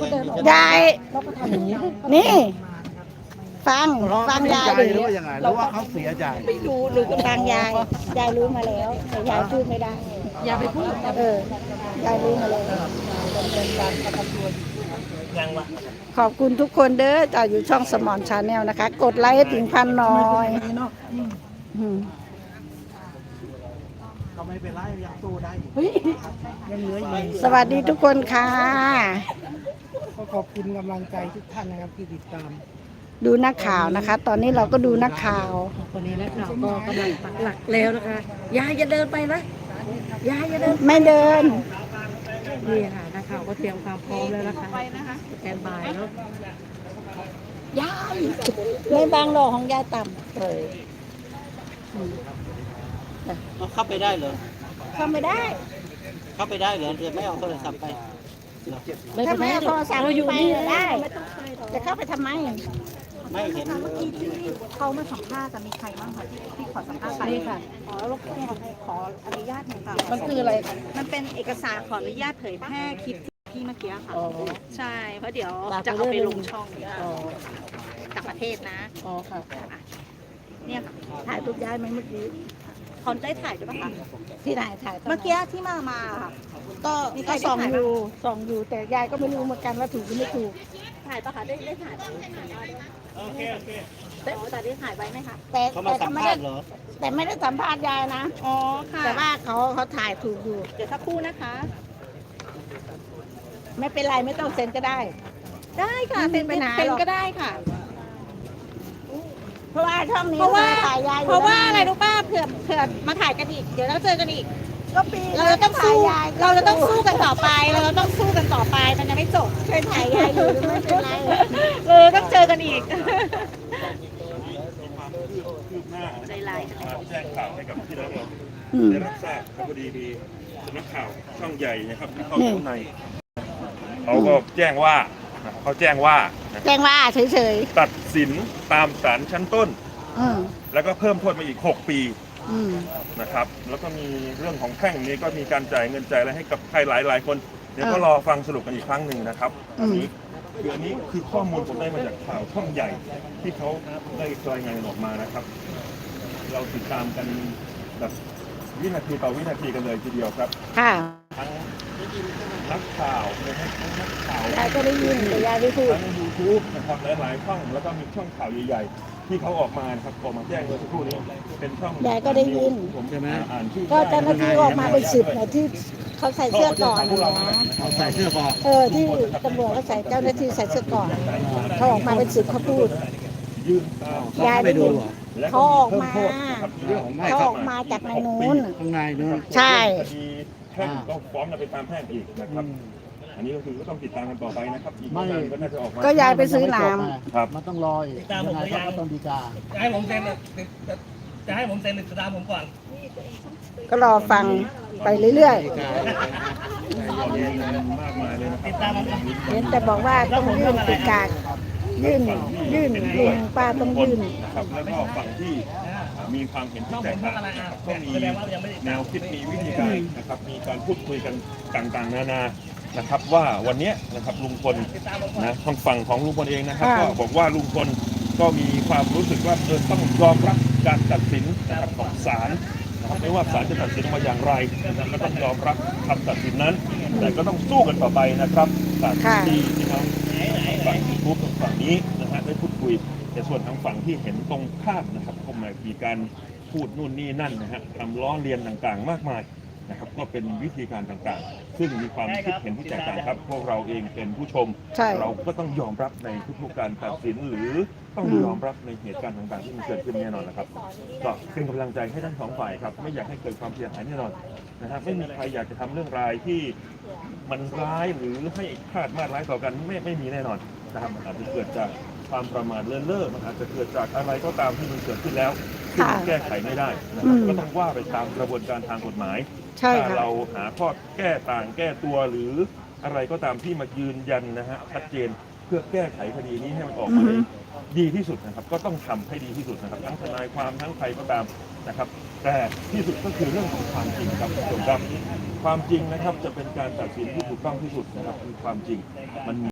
ยายนี่ฟังยายดิหรือว่ายังไงหรือว่าเขาเสียใจไม่รู้หรือฟังยายรู้มาแล้วแต่ยายพูดไม่ได้ยายไปพูดยายรู้มาแล้วขอบคุณทุกคนเด้อจ่าอยู่ช่องสมอนชาแนลนะคะ กดไลค์ให้ถึง1,000หน่อยก็ไม่เป็นไรยังสู้ได้ยังเหลืออยู่สวัสดีทุกคนค่ะก็ขอบคุณกำลังใจทุกท่านนะครับที่ติดตามดูนักข่าวนะคะ ตอนนี้เราก็ดูนักข่าววันนี้นักข่าวก็กำลังปักหลักแล้วนะคะยายอย่าเดินไปนะยายอย่าเดินไม่เดินนี่ค่ะนักข่าวก็เตรียมความพร้อมแล้วนะคะสแตนบายเนาะยายไม่บางหรอกของยายต่ำเข้าไปได้เหรอเข้าไม่ได้เข้าไปได้เหรอเดี๋ยวไม่เอาโทรศัพท์ไปถ้าไม่เอาโทรศัพท์อยู่นี่ได้จะเข้าไปทำไมไม่เห็นเขามาสัมภาษณ์จะมีใครบ้างคะที่ขอสัมภาษณ์ไปนี่ค่ะขออนุญาตหน่อยค่ะมันคืออะไรมันเป็นเอกสารขออนุญาตเผยแพร่คลิปที่เมื่อกี้ค่ะใช่เพราะเดี๋ยวจะเอาไปลงช่องต่างประเทศนะอ๋อค่ะเนี่ยถ่ายรูปย้ายไหมเมื่อกี้คอนได้ถ่ายด้วยป่ะคะที่ไหนถ่ายเมื่อกี้ที่มาค่ะก็ส่องอยู่แต่ยายก็ไม่รู้เหมือนกันว่าถูกหรือไม่ถูกถ่ายป่ะคะได้ถ่ายโอเคแต่ได้ถ่ายไว้ไหมคะเขามาสัมภาษณ์เหรอแต่ไม่ได้สัมภาษณ์ยายนะอ๋อค่ะแต่ว่าเขาถ่ายถูกอยู่เดี๋ยวสักครู่นะคะไม่เป็นไรไม่ต้องเซ็นก็ได้ได้ค่ะเซ็นก็ได้ค่ะเพราะว่าช่องนี้ถ่ายยายเพราะว่าอะไรรู้ป้าเผื่อมาถ่ายกันอีกเดี๋ยวเราเจอกันอีกก็ปีเราจะต้องสู้กันต่อไปมันจะไม่จบเคยถ่ายยายอยู่ไม่เป็นไรต้องเจอกันอีกใจลายแจ้งข่าวให้กับพี่น้องเราได้รับทราบพอดีมีสำนักข่าวช่องใหญ่นะครับที่เข้าข้างในเขาก็แจ้งว่าเฉยๆตัดสินตามศาลชั้นต้นแล้วก็เพิ่มโทษมาอีก6 ปีนะครับแล้วก็มีเรื่องของแพ่งนี้ก็มีการจ่ายเงินจ่ายอะไรให้กับใครหลายคนเดี๋ยวก็รอฟังสรุปกันอีกครั้งหนึ่งนะครับอันนี้คือข้อมูลผมได้มาจากข่าวช่องใหญ่ที่เขาได้รายงานออกมานะครับ เราติดตามกันแบบวินาทีต่อวินาทีกันเลยทีเดียวครับค่ะทั้งนักข่าวนะครับทั้งนักข่าวยายก็ได้ยินแต่ยายไม่พูดทั้ง YouTube นะครับหลายๆช่องแล้วก็มีช่องข่าวใหญ่ๆที่เขาออกมาครับออกมาแจ้งเมื่อสักครู่นี้เป็นช่องยายก็ได้ยินผมจะมาอ่านชื่อก็เจ้าหน้าที่ออกมาเป็น10นะที่เขาใส่เสื้อก่อนเขาใส่เสื้อก่อนที่ตำรวจเขาใส่เจ้าหน้าที่ใส่เสื้อก่อนเขาออกมาเป็น10เขาพูดยายไปดูเขาออกมาจากในนู้นข้างในนู้นใช่แพ่งก็ฟ้องกันไปตามแพ่งอีกนะครับอันนี้ก็คือก็ต้องติดตามกันต่อไปนะครับอีกไม่ก็น่าจะออกมาก็ยายไปซื้อน้ำครับมันต้องรออีกยังไงก็ต้องดีกาจะให้ผมเซ็นตามผมก่อนก็รอฟังไปเรื่อยๆเห็นแต่บอกว่าต้องยื่นติดกากยื่นลุงป้าต้องยื่นนะครับแล้วก็ฝั่งที่มีความเห็นที่แตกต่างก็มีแนวคิดมีวิธีการนะครับมีการพูดคุยกันต่างๆนานานะครับว่าวันนี้นะครับลุงพลนะทางฝั่งของลุงพลเองนะครับก็บอกว่าลุงพลก็มีความรู้สึกว่าต้องยอมรับการตัดสินนะครับของศาลนะครับไม่ว่าศาลจะตัดสินมาอย่างไรนะครับก็ต้องยอมรับคำตัดสินนั้นแต่ก็ต้องสู้กันต่อไปนะครับศาลที่น้องฝั่งทุกฝั่งนี้นะฮะได้พูดคุยแต่ส่วนทางฝั่งที่เห็นตรงข้ามนะครับก็มีการพูดนู่นนี่นั่นนะฮะทำล้อเลียนต่างๆมากมายนะครับก็เป็นวิธีการต่างๆซึ่งมีความคิดเห็นที่แตกต่างครับพวกเราเองเป็นผู้ชมเราก็ต้องยอมรับในทุกๆการตัดสินหรือต้องยอมรับในเหตุการณ์ต่างๆที่มันเกิดขึ้นแน่นอนนะครับก็เป็นกำลังใจให้ทั้งสองฝ่ายครับไม่อยากให้เกิดความเสียหายแน่นอนนะครับไม่มีใครอยากจะทำเรื่องร้ายที่มันร้ายหรือให้คาดมาดร้ายต่อกันไม่มีแน่นอนนะครับอาจจะเกิดจากความประมาทเลินเล่อมันอาจจะเกิดจากอะไรก็ตามที่มันเกิดขึ้นแล้วที่แก้ไขไม่ได้นะครับก็ต้องว่าไปตามกระบวนการทางกฎหมายถ้าเราหาข้อแก้ตัวหรืออะไรก็ตามที่มายืนยันนะฮะชัดเจนเพื่อแก้ไขคดีนี้ให้มันออกมาดีที่สุดนะครับก็ต้องทำให้ดีที่สุดนะครับทั้งทนายความทั้งใครก็ตามนะครับแต่ที่สุดก็คือเรื่องของความจริงครับคุณผู้ชมครับความจริงนะครับจะเป็นการตัดสินที่ถูกต้องที่สุดนะครับคือความจริงมัน